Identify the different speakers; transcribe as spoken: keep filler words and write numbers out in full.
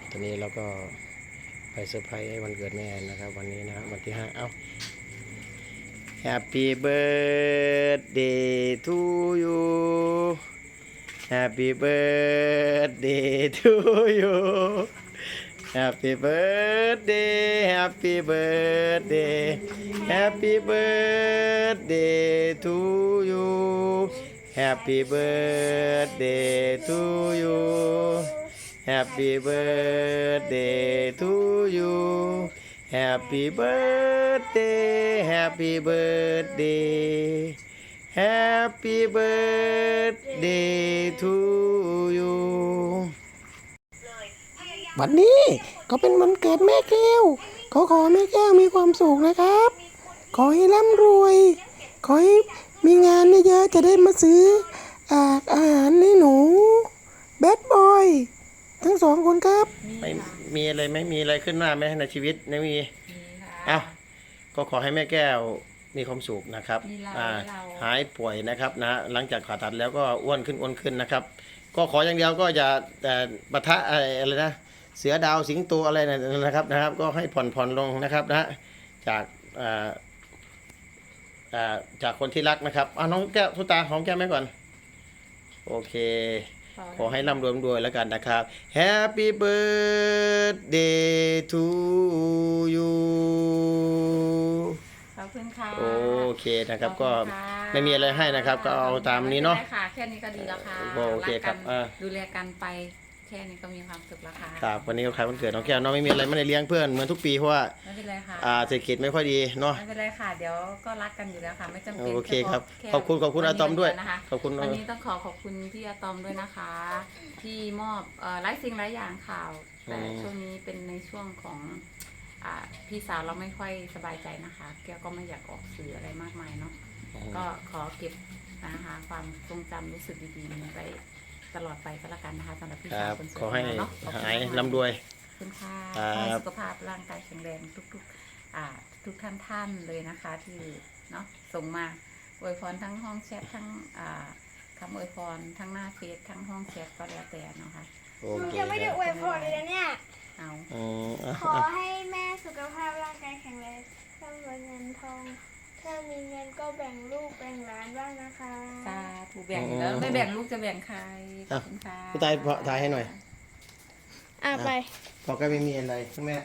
Speaker 1: ตอนนี้เราก็ไปเซอร์ไพรส์วันเกิดแม่นะครับวันนี้นะครับวันที่ห้าเอ้า Happy birthday to you Happy birthday to you Happy birthday Happy birthday Happy birthday to you Happy birthday to you Happy birthday to you Happy birthday Happy birthday Happy birthday to you วันนี้ก็เป็นวันเกิดแม่แก้วขอขอแม่แก้วมีความสุขนะครับ ขอให้ร่ำรวย ขอให้มีงานเยอะๆจะได้มาซื้ออาอาหารให้หนูแบดบอยทั้งสองคนครับไม่มีอะไรไม่มีอะไรขึ้นหน้าไหมในชีวิตไม่มีอ้าวก็ขอให้แม่แก้วมีความสุขนะครับอ่าหายป่วยนะครับนะหลังจากผ่าตัดแล้วก็อ้วนขึ้นอ้วนขึ้นนะครับก็ขออย่างเดียวก็จะแต่ปะทะอะไรนะเสือดาวสิงโตอะไรนะครับนะครับก็ให้ผ่อนผ่อนลงนะครับนะจากอ่าอ่าจากคนที่รักนะครับอ่าน้องแก้วทุตาหอมแก้มไหมก่อนโอเคขอให้ร่ำรวยรวยแล้วกันนะครับ Happy birthday to you
Speaker 2: ขอบคุณค่ะ
Speaker 1: โอเคนะครับก็ไม่มีอะไรให้นะครับก็เอาตามนี้เนาะ
Speaker 2: ค่ะแค่นี้ก็ดีแล้วค่ะ
Speaker 1: โอเคครับ
Speaker 2: ดูแลกันไปแค่นี้ก็มีความสุขแล้วค่ะ
Speaker 1: ครับวันนี้ก็ขายวันเกิดน้องแก้วเนาะไม่มีอะไรไม่ได้เลี้ยงเพื่อนเหมือนทุกปีเพราะว่า
Speaker 2: ไม่เป็นไรค่ะ
Speaker 1: อ่าเศรษฐกิจไม่ค่อยดีเนาะ
Speaker 2: ไม่เป็นไรค่ะเดี๋ยวก็รักกันอยู่แล้วค่ะไม่จำเป็น
Speaker 1: โอเคครับขอบคุณขอบคุณอาตอมด้วย
Speaker 2: ขอบคุณวันนี้ต้องขอขอบคุณพี่อาตอมด้วยนะคะที่มอบหลายสิ่งหลายอย่างข่าวแต่ช่วงนี้เป็นในช่วงของพี่สาวเราไม่ค่อยสบายใจนะคะแกก็ไม่อยากออกสื่ออะไรมากมายเนาะก็ขอเก็บนะคะความทรงจำรู้สึกดีๆนี้ไปตลอดไปก็แล้วกันนะคะสำหรับพี่สาวคนสวย
Speaker 1: ขอให้
Speaker 2: เนาะ
Speaker 1: หายร่ำรวย
Speaker 2: คุณค่าให้สุขภาพร่างกายแข็งแรงทุกๆอ่าทุกท่านท่านเลยนะคะที่เนาะส่งมาอวยพรทั้งห้องแชททั้งอ่าคำอวยพรทั้งหน้าเฟซทั้งห้องแชทก็แล้วแต่เนาะค่ะ
Speaker 3: หนูจะไม่ได้อวยพรเลยนะเนี่ย
Speaker 2: เอา
Speaker 3: ขอให้แม่สุขภาพร่างกายแข็งแรงร่ำรวยเงินทองถ้ามีเงินก็แบ่งลูกแบ่งหลานบ้างนะคะ
Speaker 2: สาธุแบ่งแล้วไม่แบ่งลูกจะแบ่งใคร
Speaker 1: ขอบคุณค่ะผู้ตายถ่ายให้หน่อย
Speaker 3: อ่ะไป
Speaker 1: พอก็ไม่มีอะไรคุณแม่